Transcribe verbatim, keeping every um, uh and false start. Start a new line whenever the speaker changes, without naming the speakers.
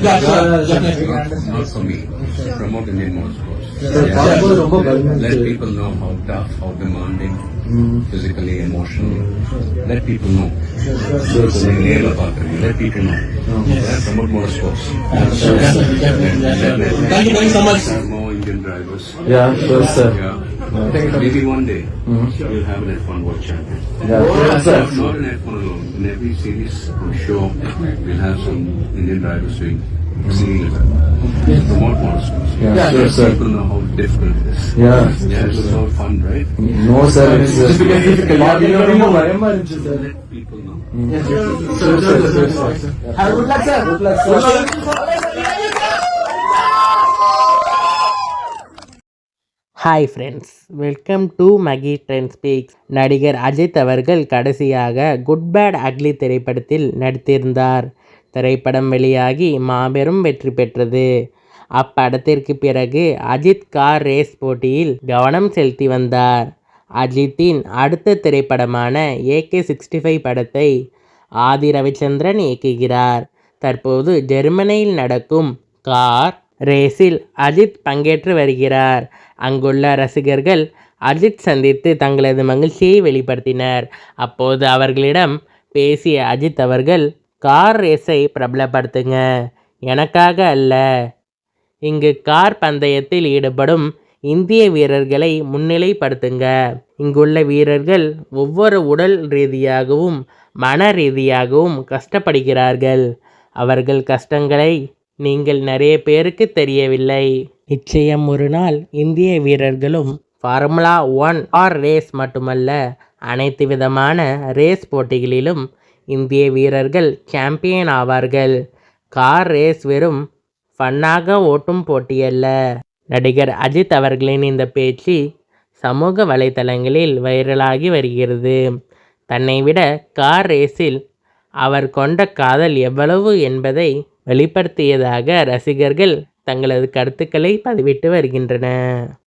Yeah, sure.
Not, not for me. Promote Indian motorsports. Yeah. Let people know how tough, how demanding, physically, emotionally. Let people know. Let people know. Yeah, promote motorsports.
Thank you very so much.
More Indian drivers.
Yeah, sure, sir.
Yeah. Maybe one day we'll have an F one world champion.
Yeah, sure, sir.
Not in F one alone. In every series or show, we'll have some Indian drivers doing exceedingly well. Promote motorsports.
Yeah,
Let
sure, sir.
people know how difficult it is.
Yeah.
Yeah, it's so fun, right?
No, sir, it's uh, difficult. ரொம்ப பயமா இருந்துச்சு sir.
Let people know.
Sure, sir, sure, sir. Have a good luck, sir. Good luck, sir.
Hi friends, welcome to Magi trend speaks. நடிகர் அஜித் அவர்கள் கடைசியாக good bad ugly திரைப்படத்தில் நடித்திருந்தார். திரைப்படம் வெளியாகி மாபெரும் வெற்றி பெற்றது. அப்படத்திற்கு பிறகு அஜித் கார் ரேஸ் போட்டியில் கவனம் செலுத்தி வந்தார். அஜித்தின் அடுத்த திரைப்படமான ஏகே சிக்ஸ்டி ஃபைவ் படத்தை ஆதி ரவிச்சந்திரன் இயக்குகிறார். தற்போது ஜெர்மனியில் நடக்கும் கார் ரேஸில் அஜித் பங்கேற்று வருகிறார். அங்குள்ள ரசிகர்கள் அஜித் சந்தித்து தங்களது மகிழ்ச்சியை வெளிப்படுத்தினர். அப்போது அவர்களிடம் பேசிய அஜித் அவர்கள், கார் ரேஸை பிரபலப்படுத்துங்க, எனக்காக அல்ல. இங்கு கார் பந்தயத்தில் ஈடுபடும் இந்திய வீரர்களை முன்னிலைப்படுத்துங்க. இங்குள்ள வீரர்கள் ஒவ்வொரு உடல் ரீதியாகவும் மன ரீதியாகவும் கஷ்டப்படுகிறார்கள். அவர்கள் கஷ்டங்களை நீங்கள் நிறைய பேருக்கு தெரியவில்லை. நிச்சயம் ஒரு நாள் இந்திய வீரர்களும் ஃபார்முலா ஒன் ஆர் ரேஸ் மட்டுமல்ல, அனைத்து விதமான ரேஸ் போட்டிகளிலும் இந்திய வீரர்கள் சாம்பியன் ஆவார்கள். கார் ரேஸ் வெறும் ஃபன்னாக ஓட்டும் போட்டியல்ல. நடிகர் அஜித் அவர்களின் இந்த பேச்சு சமூக வலைத்தளங்களில் வைரலாகி வருகிறது. தன்னை விட கார் ரேஸில் அவர் கொண்ட காதல் எவ்வளவு என்பதை வெளிப்படுத்தியதாக ரசிகர்கள் தங்களது கருத்துக்களை பதிவிட்டு வருகின்றனர்.